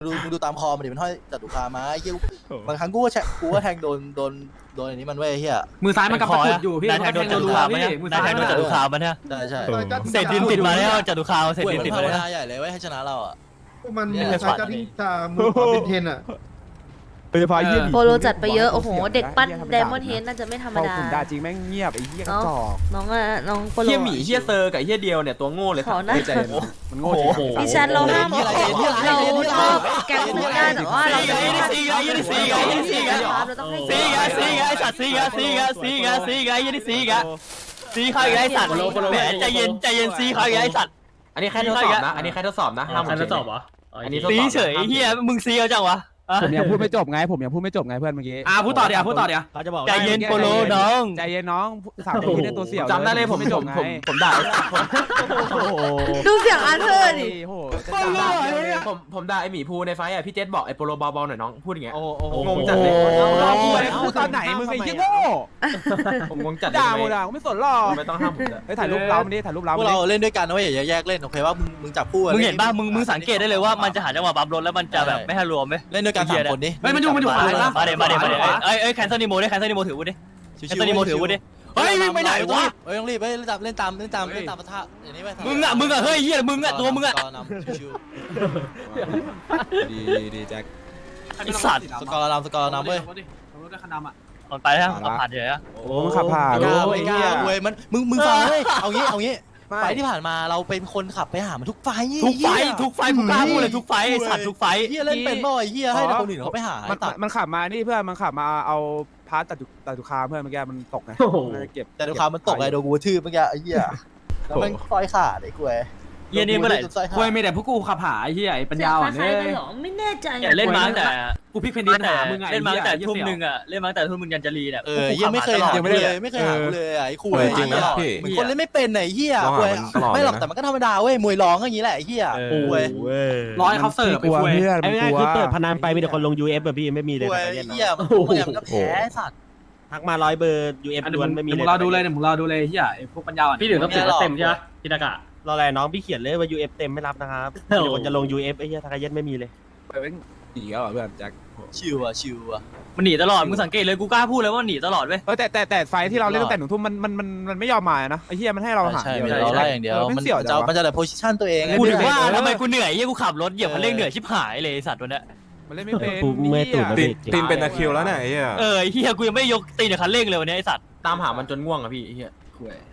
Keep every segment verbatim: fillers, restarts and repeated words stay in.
ดูมึงดูตามคอมันดิมันห้อยจัตุคามมาไอ้เหี้ยบางครั้งกูก็แชกูก็แทงโดนโดนโดนอันนี้มันไว้ไอ้เหี้ยมือซ้ายมันกำตะกุดอยู่พี่ได้แทงโดนจัตุคามไหมได้แทงโดนจัตุคามไหมเนี่ยใช่ใช่เศษดินติดมาแล้วจัตุคามเศษป่วยดินมันติดภามาวแล้วนาใหญ่เลยไว้ให้ชนะเราอ่ะมันใช้จะทิ้งจะมือขวาเป็นเทนอ่ะโดยเฉพาะเยี่ยมโปโลจัดไปเยอะโอ้โหเด็กปั้นไดมอนด์เฮดน่าจะไม่ธรรมพอดาขุนด่าจริงแม่งเงียบไอ้เหี้ยกระจอกน้องอะน้องโปโลเฮียหมีเฮียเซอร์กับเฮียเดียวเนี่ยตัวโง่เลยขอนะใจมันโง่จริงดิฉันเราห้ามเราชอบแก๊งนึงได้แต่ว่าเราจะไม่ห้ามซีกะยี่ซีกะยี่ซีกะเราต้องให้ซีกะซีกะไอสัตว์ซีกะซีกะซีกะซีกะยี่ซีกะซีเขาอีกไอสัตว์แหมใจเย็นใจเย็นซีเขาอีกไอสัตว์อันนี้แค่ทดสอบนะอันนี้แค่ทดสอบนะห้ามทดสอบเหรออันนี้ซีเฉยเฮียมึงซีเอาจังวะผมยังพูดไม่จบไงผมยังพูดไม่จบไงเพื่อนเมื่อกี้อ่าพูดต่อเดี๋ยวพูดต่อเดี๋ยวเขาจะบอกใจเย็นโปโลน้องใจเย็นน้องสามคนที่ได้ตัวเสี่ยวจำได้เลยผมไม่จบไงผมผมด่าโอ้โหดูเสียงอาร์เธอร์ดิโอ้โหผมผมด่าไอหมีภูในไฟอ่ะพี่เจษบอกไอโปโลเบาๆหน่อยน้องพูดอย่างเงี้ยโอ้โหงงจัดเลยเราพูดพูดตอนไหนมึงไอ้เหี้ยโง่ผมงงจัดด่าหมดอ่ะไม่สนหรอกไม่ต้องห้ามผมเฮ้ยถ่ายรูปเราไม่ได้ถ่ายรูปเราพวกเราเล่นด้วยกันนะเว้ยอย่าแยกเล่นโอเคว่ามึงมึงจับคู่มึงเห็นป่ะมึงมึงสังเกตได้เลยว่ามันจะหาจังหวะบัฟรถแล้วมันจะแบบไม่ให้รวมไหมเล่นด้วยกันสามคนดิเฮ้ยมันอยู่มันอยู่ขวานะมาเดี๋ยวมาเดี๋ยวมาเดี๋ยวเอ้ยเอ้ยแคนเซิลนิโมดิแคนเซิลนิโมถือวุ้ดิแคนเซิลนิโมถือวุ้ดิเฮ้ยมึงไปไหนวะเฮ้ยต้องรีบเฮ้ยเล่นตามเล่นตามเล่นตามเล่นตามปะทะอย่างนี้ไปมึงอะมึงอะเฮ้ยเฮียมึงอะตัวมึงอะชิวดีดีแจ็คไอสัตว์ๆสกอร์นำสกอร์นำเว้ยรถได้คันดำอ่ะก่อนไปแล้วเอาผ่านเฉยอะโอ้มันขับผ่านกล้าเว้ยกล้าเว้ยมันมึงมึงฟังเว้ยเอางี้เอางี้ไฟที่ผ่านมาเราเป็นคนขับไปหามันทุกไฟทุกไฟทุกไฟกูกล้าพูดเลยทุกไฟไอสัตว์ทุกไฟเฮียเล่นเป็นบ่อยเฮียให้คนอื่นเขาไปหามันตัดมันขับมานี่เพื่อนมันขับมาเอาพาร์ตตัดจุตัดจุคาเพื่อนเมื่อกี้มันตกไงเก็บแต่ดูความมันตกไงโดนกูทืบเมื่อกี้ไอ้เหี้ยแล้วมันซอยขาดไอ้กูเฮียนี่เมื่อไหร่คุยไม่แต่พวกกูขับหาไอ้เหี้ยไอ้ปัญเสียญาง อ่อนคล้าเนี่ยยๆกันหรอไม่แน่ใจเนี่ยเล่นมาตั้งแต่กูพิกเพนดินหามึงไงเล่นมาตั้งแต่ทุ่มหนึ่งอะเล่นมาตั้งแต่ทุ่มหนึ่งยันจะรีเนี่ยเออยังไม่เคยยังไม่เลยไม่เคยหากูเลยไอ้คุยจริงนะพี่เหมือนคนเล่นไม่เป็นไอ้เหี้ยต้องคุหาย มันตลอดไม่หรอกเลยนะแต่มันก็ธรรมดาเว้ยมวยร้องอย่างนี้แหละไอ้เหี้ยคุยร้อยเขาเสิร์ฟกลัวไปคุยเพื่อนไอ้มันง่ายกลัวคือเปิดพนันไปมีแต่คนลง ยู เอฟ แบบพี่ไม่มีเลยคุยแต่ไอ้เล่นเหี้ยมันพวกอย่างมันก็แพ้สัตว์ทักมาร้อยเบอร์ ยู เอฟอันล้วนไม่มีมึเลยงรอดูเลยเนี่ยมึงรอดูเลยเหี้ยไอ้พวกปัญญาอ่อนพี่ถึงต้องติดเต็มใช่ไหมพี่ตากะรออะไรน้องพี่เขียนเลยว่า ยู เอฟ เต็มไม่รับนะครับมีแต่คนจะลง ยู เอฟ ไอ้เหี้ยทักเย็นไม่มีเลยดีแล้วเพื่อนแจ็คชิวอะชิวอะมันหนีตลอดมึงสังเกตเลยกูกล้าพูดเลยว่าหนีตลอดเว้ยเออแต่แต่แต่ไฟที่เราเล่นตั้งแต่หนึ่งทุ่มมันมันมันมันไม่ยอมมานะไอ้เหี้ยมันให้เราหาใช่เดียวเราไล่อย่างเดียวมันเสี่ยวจะจังมันจะแต่โพสิชันตัวเองกูถึงว่าทำไมกูเหนื่อยเฮียกูขับรถเหยียบคันเร่งเหนื่อยชิบหายเลยสัตว์ตัวเนี้ยมันเล่นไม่เป็นกูเมื่อยตูดตีนตีนเป็นตะคริวแล้วเนี่ยไอ้เหี้ยเออเฮียกูยังไม่ยกตีนจากคันเร่งเลยวันนี้ไอสัตว์ตามหามันจนง่วงอะพี่ไอ้เหี้ยคุย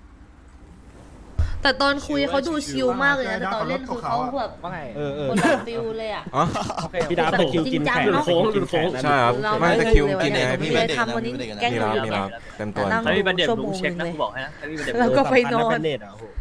แต่ตอนคุยเขาดูชิลมากเลยนะแต่ตอนเล่นคือเขาแบบว่าไงเออเออคนละฟิลเลยอ่ะอ๋อพี่ดาวตะคิวกินแขกจริงจังเนอะกินแขกนะใช่ครับเราไม่ตะคริวกินเร็ยังไงวๆพี่เลไม่ยเด็กทำวันนี้แกล้งมีอยู่รับมีรับเต็มตัวนั่งถ้ามีประเด็นชั่วมึโมงงเช็คนะเลยกูบอกให้นะถ้ามีประเด็นแล้วก็ไปนอนเน็ตอ่ะโอ้โห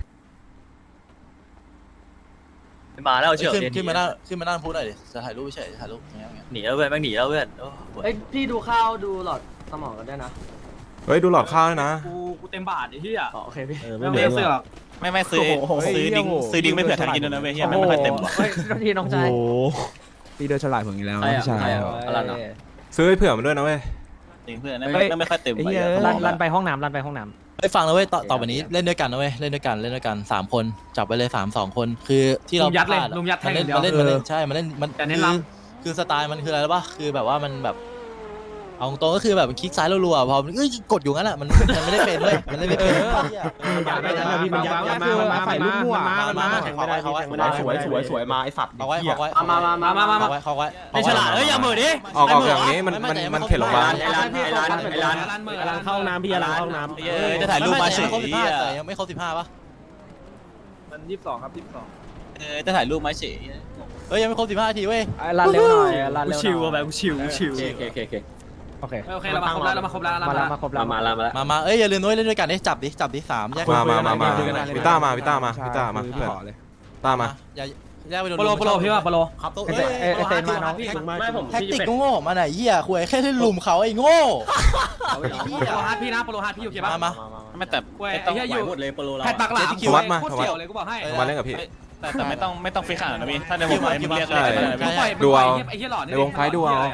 มาแล้วเชื่อขึ้นเรียนขึ้นมานั่งขึ้นมานั่งพูดหน่อยดิจะถ่ายรูปไม่ใช่ถ่ายรูปอย่างเงี้ยหนีแล้วเพื่อนแม่งหนีแล้วเพื่อนเอ้ยพี่ดูข้าวดูหลอดสมองกันด้วยนะเฮ้ยดูหลอดข้าวด้วยนะกูกูเต็มบาทไอ้เหี้ยอ๋อโอเคพี่เออไม่ไม่เอาเหมืเสื้ออนไม่ไม่ซื้อซื้อดิ้งซื้อดิ้งไม่เผื่อทันกินด้วยนะเว้ยเฮียไม่ค่อยเต็มว่ะเฮ้ยทีน้องชายโอ้โหตีเดินฉลาดผมอีกแล้วใครอ่ะพี่ชายใครอ่ะอะไรนะซื้อให้เผื่อมันด้วยนะเว้ยจริงเพื่อนไม่ไม่ค่อยเต็มไอ้ไปเหี้ยรันรันไปห้องน้ำรันไปห้องน้ไอ้ฟังนะเว้ยต่อต่อไปนี้เล่นด้วยกันนะเว้ยเล่นด้วยกันเล่นด้วยกันสามคนจับไปเลยสามสองคนคือที่เราลุมยัดเลยพาอะลุมยัดแทมันงเล่นเดียวมันเล่นมันเล่นใช่มันเล่นมันแต่เน้นคือล้คือสไตล์มันคืออะไรรู้ป่ะคือแบบว่ามันแบบเอาตรงๆก็คือแบบมันคลิกซ้ายรัวๆพอเอ้ยกดอยู่งั้นแหละมันมันไม่ได้เป็นเว้ยมันเล่นไม่เป็นเหี้ยพี่มันยัดยัดมามาใส่ลูกมั่วมามาแข่งไม่ได้แข่งไม่ได้สวยสวยสวยมาไอ้สัตว์เอาไว้เหี้ยเอาไว้มามามามามาเอาไว้เอาไว้ไอฉลาดเอ้ยอย่าเหม่อดิออกออกอย่างนี้มันมันมันเข็ดโรงพยาบาลไอร้านไอร้านไอร้านร้านมือร้านเข้าน้ำพี่ร้านเข้าน้ำเออจะถ่ายรูปมาเฉยไครบสิบห้าแต่ยังไม่ครบสิบห้าป่ะมันยี่สิบสองครับยี่สิบสองเออจะถ่ายรูปมาเฉยเฮ้ยยังไม่ครบสิบห้าทีเว้ยำรันเร็วหน่อยรันกูเร็วชิวอะแบบกูชิวกูชิวโอเคโอเคโอเคโอเคโอเคเรามาครบแล้วเรามาครบแล้วมาแล้วมาครบแล้วมาแล้วมามาเอ้ยอย่าลืมด้วยเล่นด้วยกันดิจับดิจับดิสามแยกมามามามาคุยกันหน่อยวิต้ามาวิต้ามาวิต้ามาพี่เพื่อนขอเลยต้ามาอย่าแยกไปโดนโปโลโปโลพี่ว่าโปโลครับตัวเอเอ้ยเอเอเซนมาน้องไม่ผมแท็กติกโง่ๆมาไหนเหี้ยคุยแค่ให้ลุมเขาไอ้โง่โปโลฮาร์ดพี่นะโปโลฮาร์ดพี่โอเคป่ะมามาไม่แต่คุยไม่ไอ้ต้องเหี้ยอไหวยู่หมดเลยโปรเราแพทปักหลังคิววัดมาโคตรเสี่ยวเลยกูบอกให้มาเล่นกับพี่แต่แต่ไม่ต้องไม่ต้องฟิกขนาดนั้นพี่ถ้าในวงไฟมึงเรียกอะไรก็ได้มึงปล่อยมึงปล่อยไอ้เหี้ยหลอดในวงไฟดูเอาเ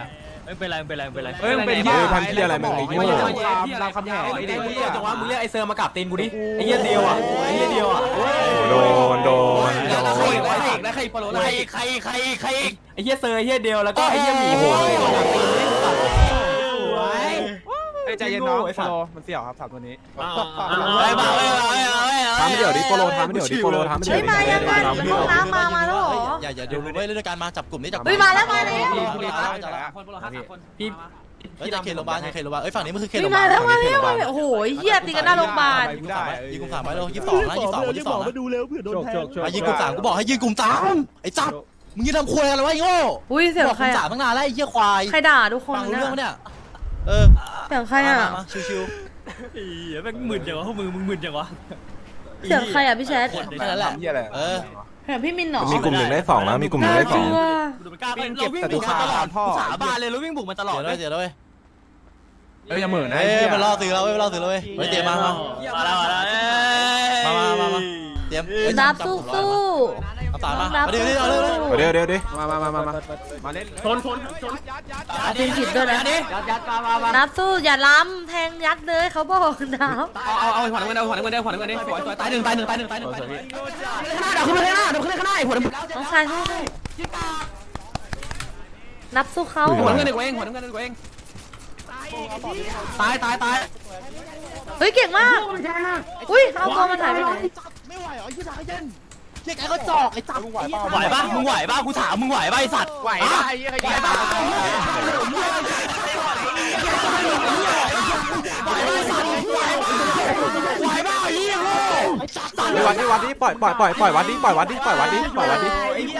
ไม่เป็นไรไม่เป็นไรไม่เป็นไรเฮ้ยมันเป็นเฮ้ยพันที่อะไรมึงไอ้ไม่โง่ใช่รามคำแหงไอ้เด็กเหี้ยจังหวะมึงเรียกไอ้เซอร์มากับตีนกูดิไอ้เหี้ยเดียวอ่ะไอ้เหี้ยเดียวอ่ะโดนโดนแล้วใครอีกแล้วใครอีกแล้วใครโปรโลใครไล่ใครใครใครไอ้เหี้ยเซอร์ไอ้เหี้ยเดียวแล้วก็ไอ้เหี้ยหมีโหยกับตีนเล่นสัตว์เฮ้ยใจเย็นน้องโปโลมันเสี่ยวครับสามตัวนี้ไปบ้าไปบ้าไปบ้าทำเดี๋ยวดิโปโลทำเดี๋ยวดิโปโลทำเฮ้ยมายังไงมันห้องน้ำมามาแล้วเหรออย่าอย่าดูเว้ยเรื่องการมาจับกลุ่มนี้จับเฮ้ยมาแล้วมาแล้วพี่เฮ้ยจะเขตโรงพยาบาลเขตโรงพยาบาลเอ้ยฝั่งนี้มันคือเขตเฮ้โรยงพยามาบาลแล้วมาแล้วมาแล้วโอ้โหเหี้ยตีกันหน้าโรงพยาบาลยิงกลุ่มสามไปเลยยี่สิบสองนะยี่สิบสองยี่สิบสองนะดูเร็วเผื่อโดนแทงอ่ะยิงกลุ่มสามกูบอกให้ยิงกลุ่มสามไอ้จับมึงยืนทำควยอะไรวะไอ้โง่อุ้ยเสียงบอกใคกรลุ่มสาอ่ะมตั้งนานแล้วไอ้เหี้ยควายใครด่าทุกคนฟังรู้เนี่เรื่องยปะเนี่ยเออเสียงใครอ่ะมาชิวเหี้ยแม่งหมื่นจังวะพวกมึงมึงหมื่นจังวะเสียงใครอ่ะพี่แชทๆแค่นั้นแหละเหี้ยอะไรเออเสียงพี่มินเหรอมีกลุ่มหนึ่งได้สองนะมีกลุ่มหนึ่งได้สองดูมันกล้าเราวิ่งบุกมาตลอดสาบานเลยเราวิ่งบุกมาตลอดเดี๋ยวด้วยเดี๋ยวด้วยเอ้ยอย่าเหม่อนะเอ้ยมันล่อซื้อเราเว้ยมันล่อซื้อเราเว้ยเฮ้ยเตรียมมามามาแล้วมาแล้วมามามามาเตรียมดับสู้สู้เอาสารมาเดี๋ยวเดี๋ยวเดี๋ยวเดี๋ยวเดี๋ยวดิมามามามามามาเล่นชนชนชนตีผิดด้วยนะยัดยัดมามามานับสู้อย่าล้ำแทงยัดเลยเขาบอกนับเอาเอาเอาขวัญเงินเอาขวัญเงินเอาขวัญเงินสวยสวยตายหนึ่งตายหนึ่งตายหนึ่งตายหนึ่งตายหนึ่งเดี๋ยวขึ้นไปข้างหน้าเดี๋ยวขึ้นไปข้างหน้าหัวน้ำน้องชายสู้สู้นับสู้เขาหัวน้ำเงินเด็กเองหัวน้ำเงินเด็กเองตายตายตายเฮ้ยเก่งมากอุ้ยเอาตัวมันหายไปไหนไม่ไหวเหรอยี่สิบเย็นเจ๊แกก็จอกไอ้จับไหวปะมึงไหวปะกูถามมึงไหวปะไอสัตว์ไหวปะไหวปะไอ้วัดไอ้วัดดิปล่อยปล่อยปล่อยปล่อยวัดดิปล่อยวัดดิปล่อยวัดดิปล่อยวัดดิ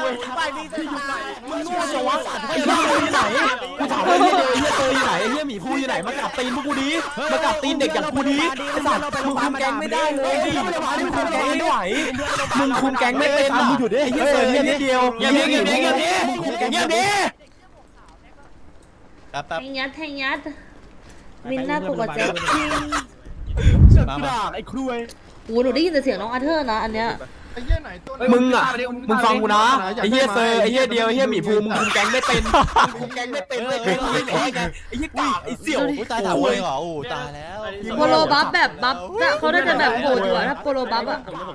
ไอ้เหี้ยอยู่ไหนกูถามว่าไอ้เหี้ยไอ้เหี้ยเตยอยู่ไหนไอ้เหี้ยหมีภูอยู่ไหนมากับตีนพวกกูดิมากับตีนเด็กอย่างกูดิไอ้สัตว์มึงคุมแก๊งไม่ได้เลยมึงคุมแก๊งไม่ไหวมึงคุมแก๊งไม่เป็นมึงหยุดดิไอ้เหี้ยเตยเนี่ยนิดเดียวเงียบดิเงียบดิเงียบดิเงียบดิแป๊บแทแป๊บงยัดแทงยัดมินหน้าปกติจริงมามาไอ้ครุยโอ้หนูได้ยินแต่เสียงน้องอาเธอร์นะอันเนี้ยไอ้เหี้ยไหนตัวไหนมึงอ่ะมึงฟังกูนะไอ้เหี้ยเซอร์ไอ้เหี้ยเดียวไอ้เหี้ยหมีภูมึงคุมแก๊งไม่เป็นมึงคุมแก๊งไม่เป็นเลยไอ้เหี้ยกากไอ้เสี่ยวอุ้ยตายถามเองเหรอโอ้ตายแล้วโปโลบัฟแบบบัฟเนี่ยเขาได้จะแบบโหดอยู่อะถ้าโปโลบัฟอะ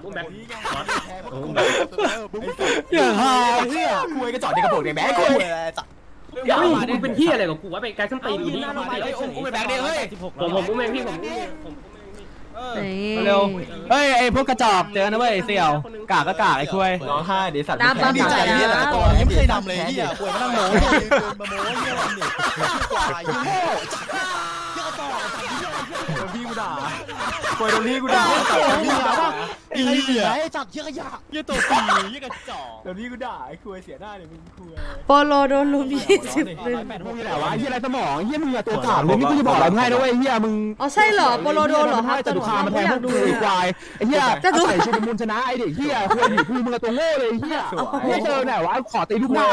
อย่าหาเหี้ยคุยก็จอดในกระโปรงแบงค์คุยจับอย่ามึงเป็นพี่อะไรของกูวะไปไกลขึ้นตีนอยู่นี่อุ้มไปแบงค์เดียวเฮ้ยผมผมอุ้มเองพี่ผมเร็วเฮ้ยไอ้พวกกระจอกเจอนะเว้ยเสี่ยวกากก็กากไอ้คุยร้องไห้ดิสัตว์ดีใจเนี่ยแต่ก่อนยังไม่เคยทำเลยที่อ่ะป่วยมานั่งโม้เกินมาโม้เงี้ยเนี่ยกว่ายิ่งโง่จับเยอะต่อโดนพี่กูด่าคุยโดนพี่กูด่าจับพี่ด่าป่ะอีเหี้ยจับเยอะขยะยี่ตัวปียี่กระจอกโดนพี่กูด่าไอ้คุยเสียหน้าเลยมึงคุยโปโลโดนลุมยี่สิบเลยพวกนี้แหละวะเฮียอะไรสมองเฮียมึงอะตัวกากเลยนี่กูจะบอกอะไรให้ด้วยเฮียมึงอ๋อใช่เหรอโปโลโดนเหรอครับจะดูคามาแทนพวกกูควายไอ้เฮียใส่ชุดมูลชนะไอ้เด็กเฮียคุยอยู่กูมึงตัวโง่เลยเฮียเฮียเจอไหนวะขอตีลูกหน้า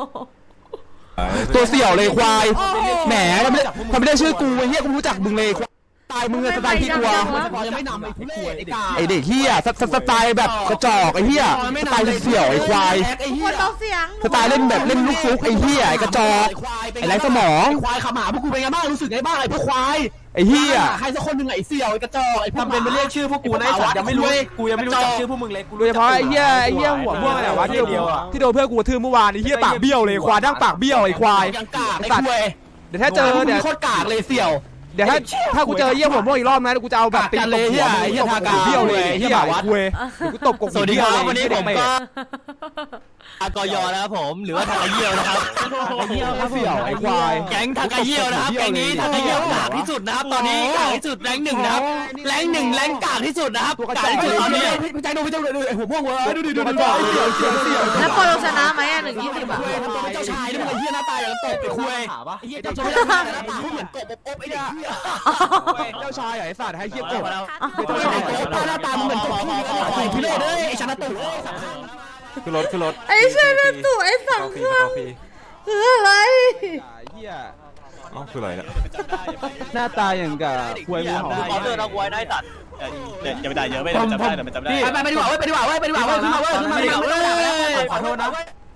ตัวเสี่ยวเลยควายแหมทำไม่ทำไม่ได้ชื่อกูไอ้เฮียกูรู้จักมึงเลยตายมึงสไตล์ที่กลัวยังไม่นำไอ้คุยไอ้เด็กเฮียสไตล์แบบกระจอกไอ้เฮียสไตล์เสี่ยวไอ้ควายคนเบาเสียงสไตล์เล่นแบบเล่นลูกฟุกไอ้เฮียไอ้กระจอกไอ้ไรสมองควายขมาพวกกูเป็นไงบ้างรู้สึกไงบ้างไอ้พวกควายไอ้เฮียใครสักคนหนึ่งไอ้เสี่ยวไอ้กระจอกไอ้ทำเป็นไปเรียกชื่อพวกกูนะไอ้สัตว์ยังไม่รู้กูยังไม่รู้จักชื่อพวกมึงเลยโดยเฉพาะไอ้เฮียไอ้เฮียหัวม่วงอะไรวะที่ที่โดนเพื่อนกูทื่อเมื่อวานไอ้เฮียปากเบี้ยวเลยควายดั้งปากเบี้ยวไอ้ควายยังกากไอ้ควายเดี๋ยวถ้าเจอเดี๋ยวโคตรกากเลยเสี่ยวเดี๋ยวถ้าถ้ากูเจอเยี่ยหัวม่วงอีกรอบนะกูจะเอาแบบตีเลยเฮียเฮียทากาเบี้ยวเลยเฮียวัดเว้ยกูตบกบสวัสดีครับวันนี้ผมก็อากยนะครับผมหรือว่าทากาเยี่ยวนะครับเฮียเสี่ยวไอ้ควายแก๊งทากาเยี่ยวนะครับแก๊งนี้ทากาเยี่ยวกากที่สุดนะครับตอนนี้กากที่สุดแรงหนึ่งนะครับแรงหนึ่งแรงกากที่สุดนะครับกากที่สุดตอนนี้พี่ใจดูพี่ใจดูไอ้หัวม่วงเว้ยดูดิดูมันจ่อเสี่ยวเสี่ยวเสี่ยวแล้วโปโลชนะไหมอ่ะหนึ่งยี่สิบอะทำตัวเป็นเจ้าชายนี่มึงไอ้เฮียหน้าตาอย่างตบไปคุยเฮียเจ้าชายหน้าตาเหมือนกบอบไอ้เหี้ยเจ้าชายไอ้สัตว์ให้เฮียกบเจ้าชายกบหน้าตามึงเหมือนกบพี่เลยเลยไอ้ชนะตุ่ขึ้นรถขึ้นรถไอ้เช่นตู่ไอ้สังฟรีเครื่องฟรีคืออะไรเหี้ยอ๋อคืออะไรเนี่ยหน้าตาอย่างกับควยงูเห่าขอเตือนเราไว้ได้ตัดอย่าไปด่าเยอะไม่ได้จำได้แต่มันจำได้ไปไปดีกว่าเว้ยไปดีกว่าเว้ยไปดีกว่าเว้ยขึ้นมาเว้ยขึ้นมาดีกว่าเว้ยขอโทษนะ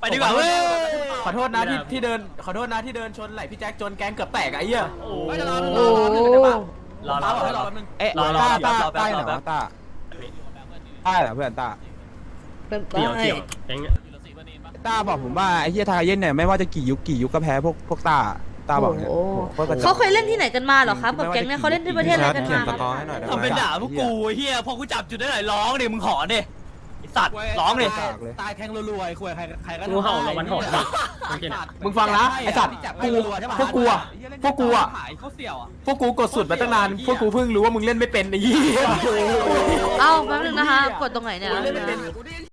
ไปดีกว่าเว้ยขอโทษนะที่ที่เดินขอโทษนะที่เดินชนไหลพี่แจ็คจนแกงเกือบแตกไอ้เหี้ยโอ้โอ้รอรอรอรอเอ๊ะรอรอต้ารอต้าต้าไหนวะต้าต้าเหรอเพื่อนต้าเป็นไปเกี่ยวเกี่ยวแก๊งเนี่ยต้าบอกผมว่าไอ้เฮียทาเย็นเนี่ยไม่ว่าจะกี่ยุคกี่ยุคก็แพ้พวกพวกต้าต้าบอกเนี่ยโอ้เขาเคยเล่นที่ไหนกันมาเหรอครับกับแก๊งเนี่ยเขาเล่นที่ประเทศอะไรกันเขียมานสกอร์ให้หน่อยได้ไหมทำเป็นด่าพวกกูเฮียพอกูจับจุดได้ไหนร้องดิมึงขอดิไอสัตว์ร้องดิตายแทงรัวๆไอ้คุยใครใครก็งูเห่าเราวันหอนโอเคนะมึงฟังนะไอ้สัตว์กูพวกกูอะพวกกูอะเขาเสี่ยวอ่ะพวกกูกดสุดมาตั้งนานพวกกูเพิ่งรู้ว่ามึงเล่นไม่เป็นไอ้เหี้ยเอ้าแป๊บนึงนะคะกดตรงไหนเนี่ย